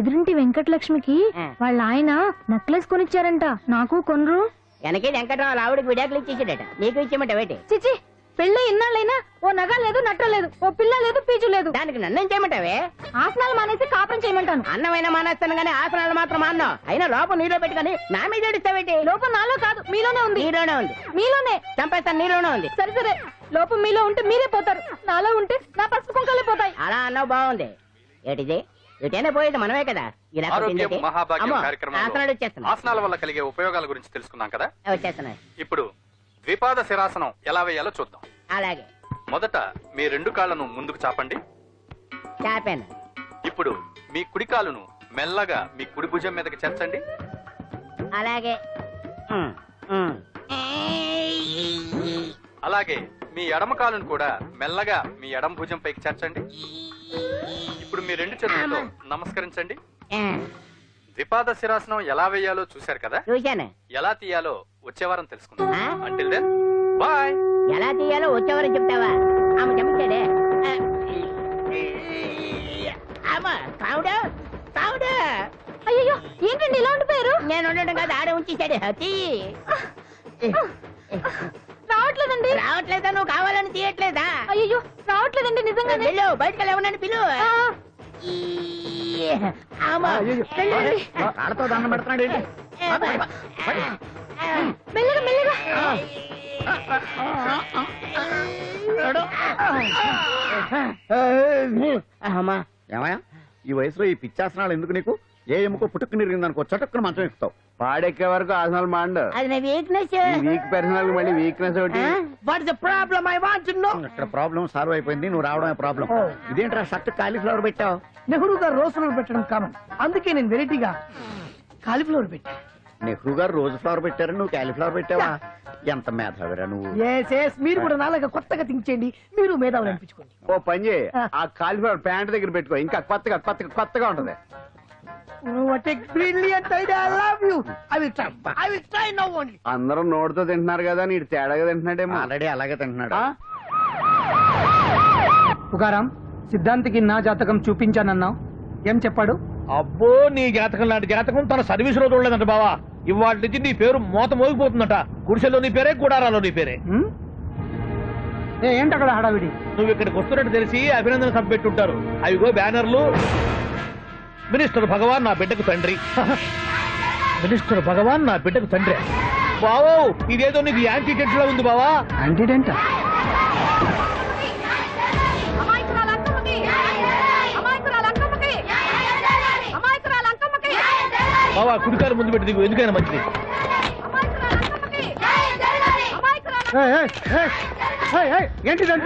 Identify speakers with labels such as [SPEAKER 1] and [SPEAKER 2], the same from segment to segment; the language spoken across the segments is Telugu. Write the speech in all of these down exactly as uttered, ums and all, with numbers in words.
[SPEAKER 1] ఎదురింటి వెంకటలక్ష్మికి వాళ్ళ ఆయన నెక్లెస్ కొనిచ్చారంట. నాకు కొనరు.
[SPEAKER 2] వెనకే వెంకటరావు ఆవిడకి విడాకులు ఇచ్చేసాడట, నీకు ఇచ్చేమంట వేటి?
[SPEAKER 1] చిచి, పెళ్ళి ఇన్నాళ్ళైనా ఓ నగ లేదు, నట్ట లేదు, ఓ పిల్ల లేదు, పీచు లేదు.
[SPEAKER 2] దానికి నన్నేం చేయమంటావే?
[SPEAKER 1] ఆసనాలు మానేసి కాపురం చేయమంటాను.
[SPEAKER 2] అన్నమైనా మానేస్తాను గానీ ఆసనాలు మాత్రం అన్నా. అయినా లోపం నీలో పెట్టుకుని నా మీద ఏడుస్తావేటి?
[SPEAKER 1] లోపం నాలో కాదు, మీలోనే ఉంది.
[SPEAKER 2] నీలోనే ఉంది.
[SPEAKER 1] మీలోనే
[SPEAKER 2] చంపేస్తాను, నీలోనే ఉంది.
[SPEAKER 1] సరే సరే, లోపం మీలో ఉంటే మీరే పోతారు, నాలో ఉంటే నా పసుపు కుంకాలే పోతాయి.
[SPEAKER 2] అలా అన్నావు, బాగుంది. ఏటిది? ఎటైనా పోయేది మనమే కదా.
[SPEAKER 3] ఆసనాల వల్ల కలిగే ఉపయోగాల గురించి తెలుసుకున్నాం కదా.
[SPEAKER 2] వచ్చేస్తున్నాయి.
[SPEAKER 3] ఇప్పుడు ద్విపాద శిరాసనం ఎలా వేయాలో చూద్దాం.
[SPEAKER 2] అలాగే.
[SPEAKER 3] మొదట మీ రెండు కాళ్ళను ముందుకు చాపండి.
[SPEAKER 2] చాపాను.
[SPEAKER 3] ఇప్పుడు మీ కుడి కాలును మెల్లగా మీ కుడి భుజం మీదకి చేర్చండి.
[SPEAKER 2] అలాగే.
[SPEAKER 3] అలాగే మీ ఎడమ కాలును కూడా మెల్లగా మీ ఎడమ భుజం పైకి చేర్చండి. ఇప్పుడు మీ రెండు చేతులతో నమస్కరించండి. ద్విపాద శిరాసనం ఎలా వేయాలో చూశారు కదా.
[SPEAKER 2] చూశాను.
[SPEAKER 3] ఎలా తీయాలో వచ్చే వారం తెలుసుకుందాం. Until then bye.
[SPEAKER 2] ఎలా తీయాలో వచ్చే వారం చెప్తావా? ఆమె చెప్తాడే.
[SPEAKER 1] అయ్యో, ఏంటండి ఇలా ఉండిపోయారు?
[SPEAKER 2] నేను ఉండడం కాదు, ఆడే ఉంచేసాడు.
[SPEAKER 1] రావట్లేదండి.
[SPEAKER 2] రావట్లేదా? నువ్వు కావాలని తీయట్లేదా?
[SPEAKER 1] అయ్యో, రావట్లేదండి నిజంగా.
[SPEAKER 2] పిలు, బయటకు లేవనని పిలు.
[SPEAKER 4] కాళ్ళతో దండం పెడుతున్నాడు.
[SPEAKER 1] మెల్లగా మెల్లగా.
[SPEAKER 4] ఏమయ్యా, ఈ వయసులో ఈ పిచ్చాసనాలు ఎందుకు నీకు? ఏ ఎముకో పుట్టుకు నిరిగిందనుకో చటుక్కున మంచం ఎక్కుతావు. పాడెక్కే వరకు ఆసనాలు మాండు.
[SPEAKER 2] అది నా వీక్నెస్.
[SPEAKER 4] వీక్ పర్సనల్ మళ్ళీ వీక్నెస్ ఒకటి.
[SPEAKER 2] What is the problem? I want to know.
[SPEAKER 4] ఇక్కడ ప్రాబ్లం సాల్వ్ అయిపోయింది, నువ్వు రావడమే ప్రాబ్లం. ఇదేంట్రా షర్ట్ కాలీఫ్లవర్ పెట్టావు?
[SPEAKER 5] నెహ్రూ గారు రోజ్ ఫ్లవర్ పెట్టడం కామన్, అందుకే నేను వెరైటీగా కాలీఫ్లవర్ పెట్టా.
[SPEAKER 4] నెహ్రూ గారు రోజు ఫ్లవర్ పెట్టారు, నువ్వు కాలీఫ్లవర్ పెట్టావా? ఎంత మేధావిరా నువ్వు.
[SPEAKER 5] ఎస్ ఎస్, మీరు కూడా నాలాగా కొత్తగా థింక్ చేయండి, మీరు మేధావులు అనిపించుకోండి.
[SPEAKER 4] ఓ పని చేయి, ఆ కాలీఫ్లవర్ ప్యాంట్ దగ్గర పెట్టుకో, ఇంకా కొత్తగా కొత్తగా కొత్తగా ఉంటది.
[SPEAKER 5] What a brilliant idea, I love you. I will try, I will try now only.
[SPEAKER 4] అందరూ నోటితో తింటున్నారు కదా, నీడు తేడాగా తింటున్నాడేమో. ఆల్రెడీ అలాగే తింటున్నాడు.
[SPEAKER 5] పుకారాం, సిద్ధాంతికి నా జాతకం చూపించానన్నావు, ఏం చెప్పాడు?
[SPEAKER 6] అబ్బో, నీ జాతకం లాంటి జాతకం తన సర్వీస్ లో చూడలేదంట బావా. ఇవాళ నుంచి నీ పేరు మోత మోగిపోతుందట. గుడిసెలో నీ పేరే, గుడారాలో నీ పేరే.
[SPEAKER 5] ఏంటి అక్కడ హడావిడి?
[SPEAKER 6] నువ్వు ఇక్కడికి వస్తున్నట్టు తెలిసి అభినందన సభ పెట్టుంటారు. అవిగో బ్యానర్లు. మినిస్టర్ భగవాన్ నా బిడ్డకు తండ్రి. మినిస్టర్ భగవాన్ నా బిడ్డకు తండ్రి. బావో, ఇదేదో నీకు యాంటీడెంట్ లా ఉంది బావా.
[SPEAKER 5] యాంటీడెంట్?
[SPEAKER 6] బావా, కుడికారు ముందు పెట్టి దిగు, ఎందుకైనా మంచిది.
[SPEAKER 5] ఏంటిదంట?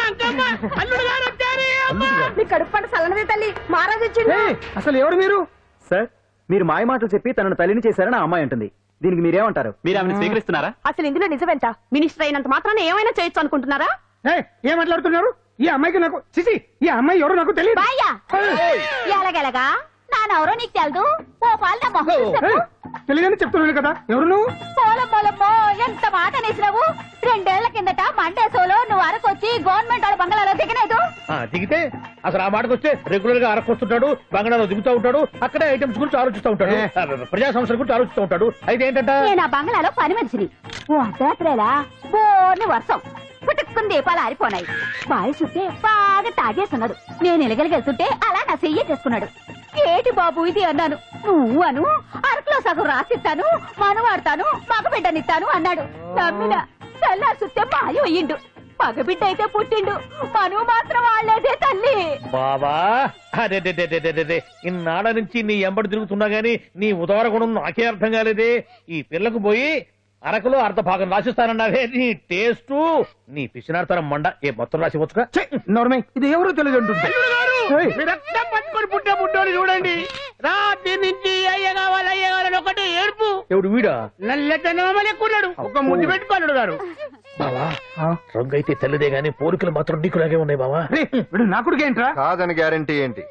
[SPEAKER 1] కడుపు సలనది తల్లి మహారాజు వచ్చింది.
[SPEAKER 5] అసలు ఎవరు మీరు?
[SPEAKER 7] సార్, మీరు మాయ మాటలు చెప్పి తనను తల్లిని చేశారని ఆ అమ్మాయి అంటుంది. దీనికి మీరేమంటారు? మీరు ఆమెను స్వీకరిస్తున్నారా?
[SPEAKER 1] అసలు ఇందులో నిజమేంట? మినిస్టర్ అయినంత మాత్రాన్ని ఏమైనా చేయొచ్చు అనుకుంటున్నారా?
[SPEAKER 5] ఏం మాట్లాడుతున్నారు? ఈ అమ్మాయికి నాకు చిసి, ఈ అమ్మాయి ఎవరు నాకు తెలియదు.
[SPEAKER 1] ఎలాగెలగా నానెవరో నీకు తెలదు. ఓ పాలు
[SPEAKER 5] తెలియదని చెప్తున్నాను కదా, ఎవరు నువ్వు?
[SPEAKER 1] పోలమ్మోలమ్మో, ఎంత మాట అనేసినావు. రెండేళ్ల కిందట మండే సోలో నువ్వు అరకొచ్చి గవర్నమెంట్ వాళ్ళ బంగాళాలో దిగలేదు.
[SPEAKER 6] దిగితే అసలు ఆ మాటకు వస్తే రెగ్యులర్ గా అరకొస్తుంటాడు, బంగాళాలో దిగుతూ ఉంటాడు, అక్కడే ఐటమ్స్ గురించి ఆలోచిస్తూ ఉంటాడు, ప్రజా సంస్థల గురించి ఆలోచిస్తూ ఉంటాడు. అయితే ఏంటంటే
[SPEAKER 1] నేను ఆ బంగాళాలో పని మనిషిని. ఓ అర్ధరాత్రేలా బోర్ని వర్షం పుట్టుకుని దీపాలు ఆరిపోనాయి. బావి చూస్తే బాగా తాగేస్తున్నాడు. నేను ఎలగలిగెళ్తుంటే అలా నా చెయ్యి చేసుకున్నాడు. ఏటి బాబు ఇది అన్నాను. నువ్వు అను, అరకులో సగం రాసిస్తాను, మనవాడతాను, మగబిడ్డనిస్తాను అన్నాడు. నమ్మిన తెల్లారి చూస్తే మాయం అయ్యిండు. మగబిడ్డ అయితే పుట్టిండు, మనువు మాత్రం వాళ్ళేదే తల్లి.
[SPEAKER 6] బాబా, అదే ఇన్నాళ్ళ నుంచి నీ ఎంబడి తిరుగుతున్నా గానీ నీ ఉదార గుణం నాకే అర్థం కాలేదే. ఈ పిల్లకు పోయి అరకులో అర్ధ భాగం రాసిస్తానన్నావే. నీ టేస్ట్, నీ పిచ్చినాడతనం మండ. ఏ మొత్తం రాసి వచ్చుగా.
[SPEAKER 5] ఇది ఎవరో తెలియదు అంటుంది.
[SPEAKER 2] రక్తం పట్టుకొని పుట్టే పుట్టోని చూడండి. రాత్రి నుంచి అయ్య కావాలి అయ్య కావాలని ఒకటి ఏడుపు.
[SPEAKER 6] ఎవడు వీడా?
[SPEAKER 2] నల్లెక్కున్నాడు, ఒక ముద్దు పెట్టుకున్నాడు గారు.
[SPEAKER 6] బావా, రంగు అయితే తెల్లదే గానీ పోలికలు మాత్రం నీకులాగే ఉన్నాయి బావా.
[SPEAKER 5] నా కొడుకు ఏంట్రా?
[SPEAKER 8] కాదని గ్యారంటీ ఏంటి?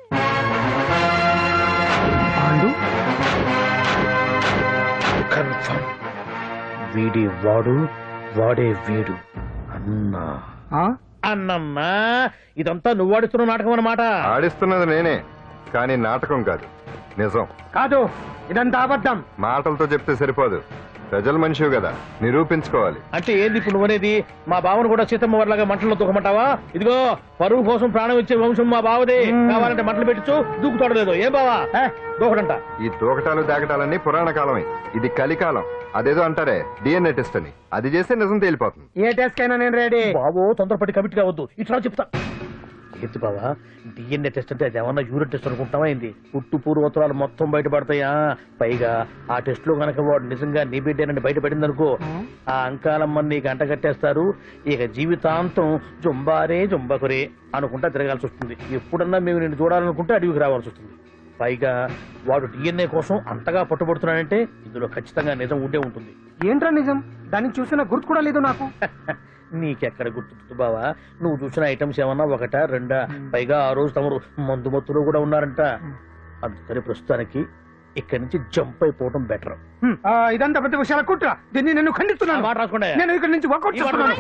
[SPEAKER 6] కన్ఫర్మ్. వీడి వాడు, వాడే వీడు. అన్నా అన్నమ్మా, ఇదంతా నువ్వు ఆడిస్తున్న నాటకం అన్నమాట.
[SPEAKER 8] ఆడిస్తున్నది నేనే, కానీ నాటకం కాదు. నిజం
[SPEAKER 5] కాదు, ఇదంతా అబద్ధం.
[SPEAKER 8] మాటలతో చెప్తే సరిపోదు, ప్రజల మనిషివి కదా, నిరూపించుకోవాలి.
[SPEAKER 6] అంటే ఏంది ఇప్పుడు నువ్వనేది? మా బావను కూడా సీతమ్మ వర్లాగా మంటల్లో దూకమంటావా? ఇదిగో పరువు కోసం ప్రాణం ఇచ్చే వంశం మా బావదే. కావాలంటే మంటలు పెట్టచ్చు, దూకుతాడలేదు. ఏం బావా దూకడంట?
[SPEAKER 8] ఈ తూకటాలు దాకటాలన్నీ పురాణ కాలమే, ఇది కలికాలం. అదేదో అంటారే డిఎన్ఏ టెస్ట్ అని, అది చేస్తే నిజం తేలిపోతుంది.
[SPEAKER 5] ఏ టెస్ట్ కైనా నేను రెడీ.
[SPEAKER 6] బాబో తొందరపడి కమిట్ కావద్దు, ఇట్లా చెప్తా. ఏంటి బావా డిఎన్ఏ టెస్ట్ అంటే అది ఏమన్నా యూరిన్ టెస్ట్ అనుకుంటావా ఏంది? పుట్టు పూర్వోత్తరాలు మొత్తం బయటపడతాయా? పైగా ఆ టెస్ట్ లో గనక వాడు నిజంగా నీ బిడ్డేనని బయటపడింది అనుకో, ఆ అంకాలమ్మని నీకు అంట కట్టేస్తారు. ఇక జీవితాంతం జుంబారే జుంబకురే అనుకుంటా తిరగాల్సి వస్తుంది. ఎప్పుడన్నా మేము నిన్ను చూడాలనుకుంటే అడవికి రావాల్సి వస్తుంది. పైగా వాడు డిఎన్ఏ కోసం అంతగా పట్టుబడుతున్నాడంటే ఇందులో ఖచ్చితంగా నిజం ఉండే ఉంటుంది.
[SPEAKER 5] ఏంట్రా నిజం? దాన్ని చూసిన గుర్తు కూడా లేదు నాకు.
[SPEAKER 6] నీకెక్కడ గుర్తుంది బావా? నువ్వు చూసిన ఐటమ్స్ ఏమన్నా ఒకటా రెండా? పైగా ఆ రోజు తమరు మందు మత్తులో కూడా ఉన్నారంట. అందుకని ప్రస్తుతానికి ఇక్కడి నుంచి జంప్ అయిపోవడం బెటర్.
[SPEAKER 5] ఇదంతా పెద్ద విషయాల కుట్ర, దీన్ని నేను ఖండిస్తున్నాను.
[SPEAKER 6] మాట రాసుకోండి.
[SPEAKER 5] నేను ఇక్కడి నుంచి వర్కౌట్ చేస్తున్నాను.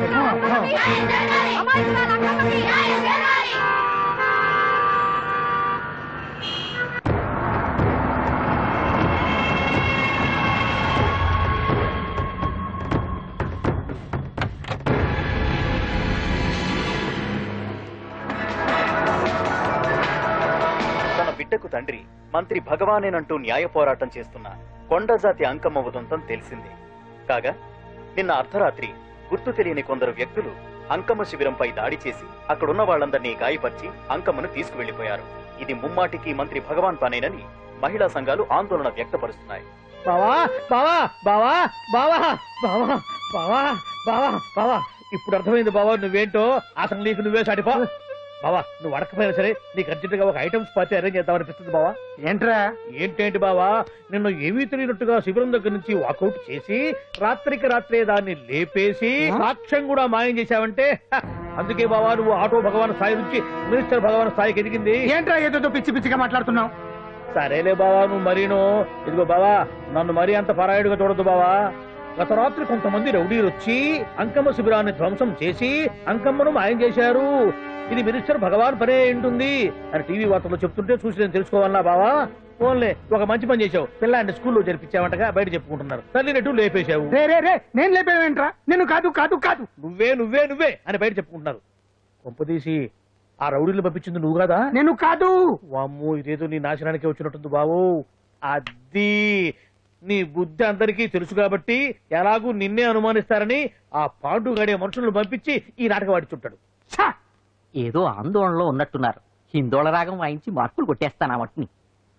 [SPEAKER 7] బిడ్డకు తండ్రి మంత్రి భగవానేనంటూ న్యాయ పోరాటం చేస్తున్న కొండజాతి అంకమ్మ ఉదంతం తెలిసిందే. కాగా నిన్న అర్ధరాత్రి గుర్తు తెలియని కొందరు వ్యక్తులు అంకమ్మ శిబిరంపై దాడి చేసి అక్కడున్న వాళ్లందరినీ గాయపరిచి అంకమ్మను తీసుకువెళ్లిపోయారు. ఇది ముమ్మాటికి మంత్రి భగవాన్ పనేనని మహిళా సంఘాలు ఆందోళన వ్యక్తపరుస్తున్నాయి.
[SPEAKER 6] బావా బావా బావా బావా బావా బావా బావా బావా ఇప్పుడు అర్థమైంది బావా నువ్వేంటో. అసలు నీకు నువ్వే సాటిపో బావా. నువ్వు అడకపోయినా సరే నీకు అర్జెంట్ గా ఒక ఐటమ్స్ పార్టీ అరేంజ్ చేద్దామనిపిస్తుంది బావా.
[SPEAKER 5] ఏంట్రా?
[SPEAKER 6] ఏంటేంటి బావా, నిన్ను ఏమీ తెలియనట్టుగా శిబిరం దగ్గర నుంచి వాకౌట్ చేసి రాత్రికి రాత్రే దాన్ని లేపేసి సాక్ష్యం కూడా మాయం చేశావంటే అందుకే బావా నువ్వు ఆటో భగవాన్ స్థాయి నుంచి మినిస్టర్ భగవాన్ స్థాయికి ఎదిగింది.
[SPEAKER 5] ఏంట్రా ఏదో పిచ్చి పిచ్చిగా మాట్లాడుతున్నావు?
[SPEAKER 6] సరేలే బావా నువ్వు మరీను. ఇదిగో బావా నన్ను మరీ అంత పరాయుడుగా చూడద్దు బావా. గత రాత్రి కొంతమంది రౌడీలు వచ్చి అంకమ్మ శిబిరాన్ని ధ్వంసం చేసి అంకమ్మను మాయం చేశారు. ఇది మినిస్టర్ భగవాన్ పనే ఉంటుంది అని టీవీ వార్తల్లో చెప్తుంటే చూసి నేను తెలుసుకోవాలా బావా. ఓన్లే ఒక మంచి పని చేశావు, పిల్లాన్ని స్కూల్లో జరిపించావంటగా బయట చెప్పుకుంటున్నారు. తల్లినట్టు లేపేశావు.
[SPEAKER 5] రే రే రే నేను లేపేవేంట్రా? నేను కాదు కాదు కాదు
[SPEAKER 6] నువ్వే నువ్వే నువ్వే అని బయట చెప్పుకుంటున్నారు. కొంపదీసి ఆ రౌడీలు పంపించింది నువ్వు కాదా?
[SPEAKER 5] నేను కాదు.
[SPEAKER 6] వామ్మో ఇదేదో నీ నాశనానికి వచ్చినట్టుంది బావు. అది నీ బుద్ధి అందరికీ తెలుసు కాబట్టి ఎలాగూ నిన్నే అనుమానిస్తారని ఆ పాండు గడే మనుషులను పంపించి ఈ నాటకం ఆడిచుంటాడు.
[SPEAKER 9] ఏదో ఆందోళనలో ఉన్నట్టున్నారు. హిందోళ రాగం వాయించి మార్కులు కొట్టేస్తాను ఆ మట్టిని.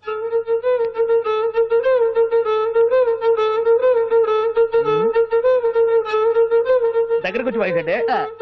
[SPEAKER 6] దగ్గరకు వచ్చి వాయించండి.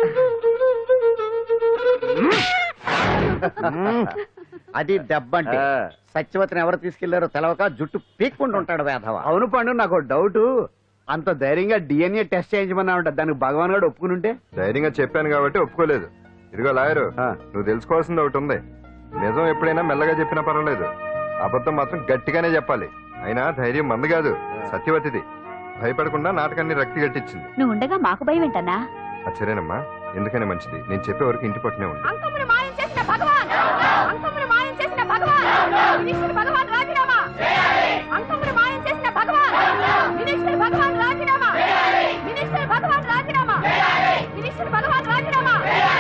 [SPEAKER 4] అది దెబ్బంటే. సత్యవతిని ఎవరు తీసుకెళ్లారో తెలవక జుట్టు పీక్కుంటూ ఉంటాడు వేధవ.
[SPEAKER 2] అవును పండు, నాకు డౌట్. అంత ధైర్యంగా డిఎన్ఏ టెస్ట్ చేయించమన్నా ఉంటా, దానికి భగవాన్ గారు ఒప్పుకుని ఉంటే.
[SPEAKER 8] ధైర్యంగా చెప్పాను కాబట్టి ఒప్పుకోలేదు. ఇదిగో లాయరు, నువ్వు తెలుసుకోవాల్సింది ఒకటి ఉంది. నిజం ఎప్పుడైనా మెల్లగా చెప్పినా పర్వాలేదు, అబద్ధం మాత్రం గట్టిగానే చెప్పాలి. అయినా ధైర్యం మంది కాదు, సత్యవతిది. భయపడకుండా నాటకాన్ని రక్తి గట్టించింది.
[SPEAKER 1] నువ్వు ఉండగా మాకు భయం ఏంటన్నా?
[SPEAKER 8] సరేనమ్మా, ఎందుకనే మంచిది. నేను చెప్పే వరకు ఇంటి పట్టునే ఉంది.
[SPEAKER 1] అంకమ్మను మాయం చేసిన భగవాన్, అంకమ్మను మాయం చేసిన భగవాన్, మినిస్టర్ భగవాన్ రాజీనామా. అంకమ్మను మాయం చేసిన భగవాన్, మినిస్టర్ భగవాన్ రాజీనామా. మినిస్టర్ భగవాన్ రాజీనామా. మినిస్టర్ భగవాన్ రాజీనామా.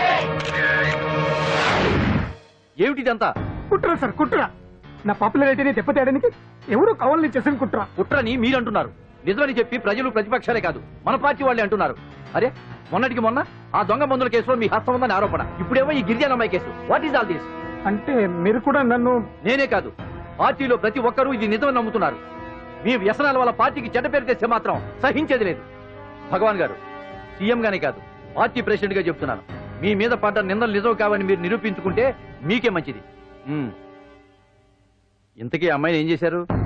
[SPEAKER 7] ఏమిటిదంతా?
[SPEAKER 5] కుట్ర సార్ కుట్ర. నా పాపులారిటీని దెబ్బతేయడానికి ఎవరు కావాలని చేసిన కుట్ర.
[SPEAKER 7] కుట్రని మీరంటున్నారు. నిజమని చెప్పి ప్రజలు ప్రతిపక్షాలే కాదు మన పార్టీ వాళ్ళే అంటున్నారు. అరే మొన్నటికి మొన్న ఆ దొంగ మందుల కేసులో మీ హస్తం ఉందని ఆరోపణ, ఇప్పుడేమో ఈ గిరిజన అమ్మాయి case. What is all this?
[SPEAKER 5] అంటే మీరు కూడా నన్ను...
[SPEAKER 7] నేనే కాదు, పార్టీలో ప్రతి ఒక్కరూ ఇది నిజమని నమ్ముతున్నారు. మీ వ్యసనాల వల్ల పార్టీకి చెడ్డ పేరు తెస్తే మాత్రం సహించేది లేదు. భగవాన్ గారు, సీఎం గానే కాదు పార్టీ ప్రెసిడెంట్ గా చెప్తున్నాను, మీ మీద పడ్డ నిందలు నిజం కావని మీరు నిరూపించుకుంటే మీకే మంచిది. ఇంతకీ అమ్మాయిని ఏం చేశారు?